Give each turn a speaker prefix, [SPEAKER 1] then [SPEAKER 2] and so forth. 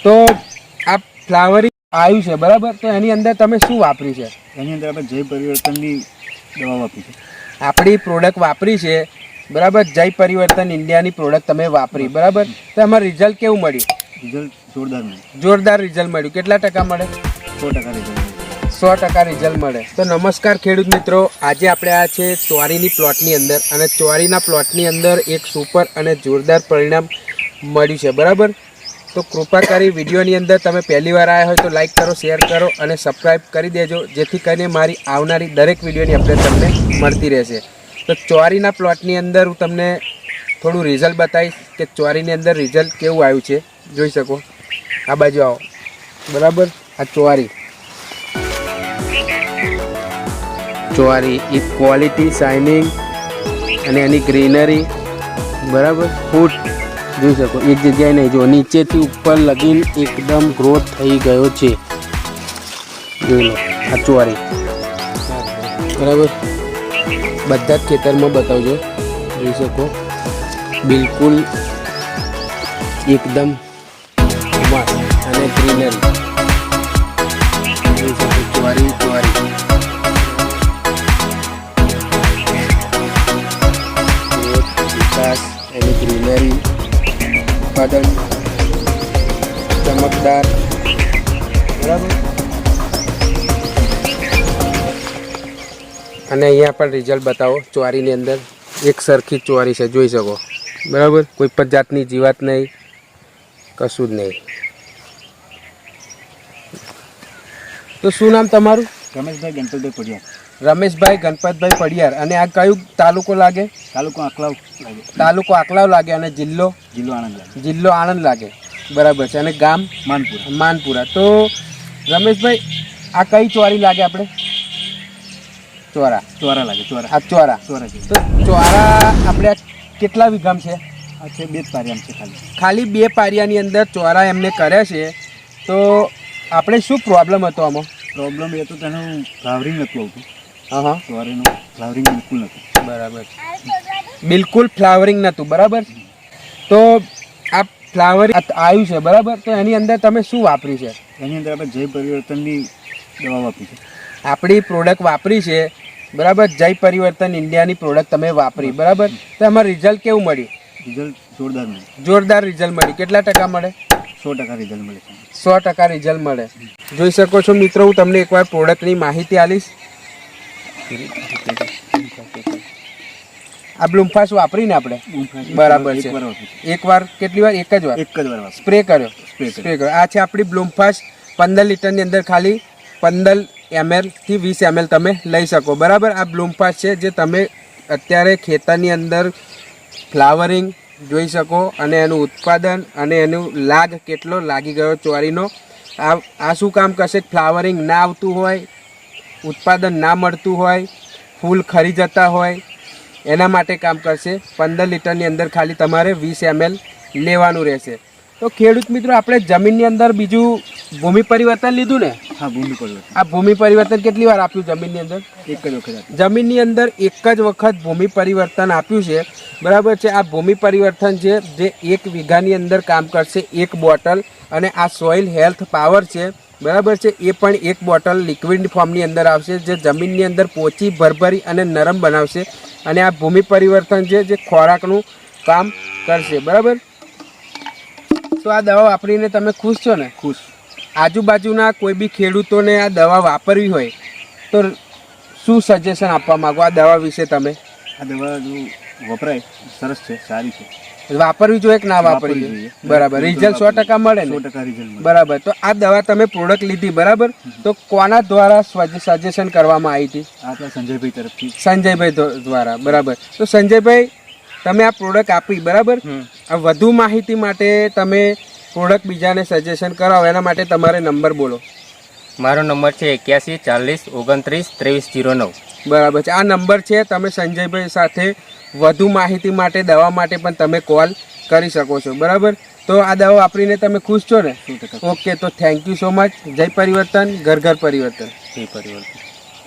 [SPEAKER 1] તો આ ફ્લાવરિંગ આવ્યું છે બરાબર, તો એની અંદર તમે શું વાપર્યું છે?
[SPEAKER 2] એની અંદર આપણે જય પરિવર્તનની દવા વાપરી છે.
[SPEAKER 1] આપણી પ્રોડક્ટ વાપરી છે બરાબર, જય પરિવર્તન ઇન્ડિયાની પ્રોડક્ટ તમે વાપરી બરાબર, તો એમાં રિઝલ્ટ કેવું મળ્યું?
[SPEAKER 2] રિઝલ્ટ જોરદાર મળ્યું.
[SPEAKER 1] જોરદાર રિઝલ્ટ મળ્યું. કેટલા ટકા મળે?
[SPEAKER 2] 100% રિઝલ્ટ મળ્યું.
[SPEAKER 1] 100% રિઝલ્ટ મળે. તો નમસ્કાર ખેડૂત મિત્રો, આજે આપણે આ છે ચોરીની પ્લોટની અંદર, અને ચોરીના પ્લોટની અંદર એક સુપર અને જોરદાર પરિણામ મળ્યું છે બરાબર. તો કૃપા કરી વિડીયોની અંદર તમે પહેલી વાર આવ્યા હોય તો લાઈક કરો, શેર કરો અને સબસ્ક્રાઈબ કરી દેજો, જેથી કરીને મારી આવનારી દરેક વિડીયોની અપડેટ તમને મળતી રહેશે. તો ચોરીના પ્લોટની અંદર હું તમને થોડું રિઝલ્ટ બતાવીશ કે ચોરીની અંદર રિઝલ્ટ કેવું આવ્યું છે. જોઈ શકો, આ બાજુ આવો બરાબર. આ ચોરી એક ક્વોલિટી, શાઇનિંગ અને એની ગ્રીનરી બરાબર. ફૂટ જોઈ શકો, એક જગ્યાએ નહીં, જો નીચેથી ઉપર લગીન એકદમ ગ્રોથ થઈ ગયો છે. જોઈ લો આ ચોરી બરાબર. બધા જ ખેતરમાં બતાવજો. જોઈ શકો બિલકુલ એકદમ મસ્ત અને ગ્રીનરી. જોઈ શકો ચોરી વિકાસ એની ગ્રીનરી, ઉત્પાદન ચમકદાર બરાબર. અને અહીંયા પણ રિઝલ્ટ બતાવો. ચોરીની અંદર એક સરખી ચોરી છે, જોઈ શકો બરાબર. કોઈ પણ જાતની જીવાત નહીં, કશું જ નહીં. તો શું નામ તમારું?
[SPEAKER 2] રમેશભાઈ ગણપતભાઈ પડિયાર.
[SPEAKER 1] રમેશભાઈ ગણપતભાઈ પડિયાર. અને આ કયું તાલુકો લાગે?
[SPEAKER 2] તાલુકો આંકલાવ લાગે.
[SPEAKER 1] તાલુકો આંકલાવ લાગે. અને જિલ્લો?
[SPEAKER 2] જિલ્લો આણંદ લાગે.
[SPEAKER 1] જિલ્લો આણંદ લાગે બરાબર છે. અને ગામ? માનપુરા. તો રમેશભાઈ આ કઈ ચોરી લાગે આપણે? ચોરા લાગે. આ ચોરા. તો ચોરા આપણે કેટલા વીઘામ છે?
[SPEAKER 2] આ છે 2 પારિયામ છે.
[SPEAKER 1] ખાલી 2 પારિયાની અંદર ચોરા એમને કર્યા છે. તો આપણે શું પ્રોબ્લેમ હતો આમાં?
[SPEAKER 2] પ્રોબ્લેમ એ તો તેનું ફ્લાવરિંગ નહોતું આવતું.
[SPEAKER 1] હા,
[SPEAKER 2] ચોરીનું ફ્લાવરિંગ બિલકુલ નહોતું.
[SPEAKER 1] બરાબર. બિલકુલ ફ્લાવરિંગ નહોતું બરાબર. તો આ ફ્લાવરિંગ આવ્યું છે બરાબર, તો એની અંદર તમે શું વાપર્યું છે?
[SPEAKER 2] એની અંદર આપણે જય પરિવર્તનની દવા વાપરી છે.
[SPEAKER 1] આપણી પ્રોડક્ટ વાપરી છે બરાબર, જય પરિવર્તન ઇન્ડિયાની પ્રોડક્ટ તમે વાપરી બરાબર, તો એમાં રિઝલ્ટ કેવું મળ્યું?
[SPEAKER 2] રિઝલ્ટ જોરદાર મળ્યું.
[SPEAKER 1] જોરદાર રિઝલ્ટ મળ્યું. કેટલા ટકા મળે?
[SPEAKER 2] 100% રિઝલ્ટ મળે છે.
[SPEAKER 1] 100% રિઝલ્ટ મળે. જોઈ શકો છો મિત્રો, હું તમને એકવાર પ્રોડક્ટની માહિતી આપીશ. આ બ્લૂમફાસ વાપરીને આપણે બરાબર છે. એકવાર કેટલી વાર? એક જ વાર સ્પ્રે કર્યો. આ છે આપણી બ્લૂમફાસ. 15 લીટરની અંદર ખાલી 15 ml થી 20 ml તમે લઈ શકો બરાબર. આ બ્લૂમફાસ છે જે તમે અત્યારે ખેતરની અંદર ફ્લાવરિંગ જોઈ શકો, અને એનું ઉત્પાદન અને એનું લાગ કેટલો લાગી ગયો ચોરીનો. આ શું કામ કરશે? ફ્લાવરિંગ ના આવતું હોય, ઉત્પાદન ના મળતું હોય, ફૂલ ખરી જતા હોય, એના માટે કામ કરશે. 15 લીટરની અંદર ખાલી તમારે 20 ml લેવાનું રહેશે. તો ખેડૂત મિત્રો, આપણે જમીનની અંદર બીજું ભૂમિ પરિવર્તન લીધું ને?
[SPEAKER 2] હા, ભૂમિ પરિવર્તન.
[SPEAKER 1] આ ભૂમિ પરિવર્તન કેટલી વાર આપ્યું જમીનની અંદર?
[SPEAKER 2] એક જ વખત.
[SPEAKER 1] જમીનની અંદર એક જ વખત ભૂમિ પરિવર્તન આપ્યું છે બરાબર છે. આ ભૂમિ પરિવર્તન છે જે 1 વીઘાની અંદર કામ કરશે, 1 બોટલ. અને આ સોઇલ હેલ્થ પાવર છે બરાબર છે, એ પણ 1 બોટલ લિક્વિડ ફોર્મની અંદર આવશે, જે જમીનની અંદર પોચી ભરભરી અને નરમ બનાવશે. અને આ ભૂમિ પરિવર્તન છે જે ખોરાકનું કામ કરશે બરાબર. તો આ દવા વાપરીને તમે ખુશ છો ને?
[SPEAKER 2] ખુશ.
[SPEAKER 1] આજુબાજુના કોઈ બી ખેડૂતોને આ દવા વાપરવી હોય તો શું સજેશન આપવા માંગો આ દવા વિશે તમે?
[SPEAKER 2] આ દવા જો વપરાય સરસ છે, સારી છે.
[SPEAKER 1] વાપરવી જોઈએ કે ના વાપરવી જોઈએ? બરાબર. રિઝલ્ટ 100% મળે ને?
[SPEAKER 2] 100% રિઝલ્ટ મળે.
[SPEAKER 1] બરાબર. તો આ દવા તમે પ્રોડક્ટ લીધી બરાબર, તો કોના દ્વારા સજેશન કરવામાં આવી હતી?
[SPEAKER 2] આપણા સંજયભાઈ તરફથી.
[SPEAKER 1] સંજયભાઈ દ્વારા બરાબર. તો સંજયભાઈ, તમે આ પ્રોડક્ટ આપી બરાબર, આ વધુ માહિતી માટે તમે પ્રોડક્ટ બીજાને સજેશન કરાવો, એના માટે તમારે નંબર બોલો.
[SPEAKER 3] મારો નંબર છે 81 40 29 23 09.
[SPEAKER 1] બરાબર છે. આ નંબર છે. તમે સંજયભાઈ સાથે વધુ માહિતી માટે, દવા માટે પણ તમે કોલ કરી શકો છો બરાબર. તો આ દવા વાપરીને તમે ખુશ છો ને? ઓકે, તો થેન્ક યુ સો મચ. જય પરિવર્તન, ઘર ઘર પરિવર્તન.
[SPEAKER 3] જય પરિવર્તન.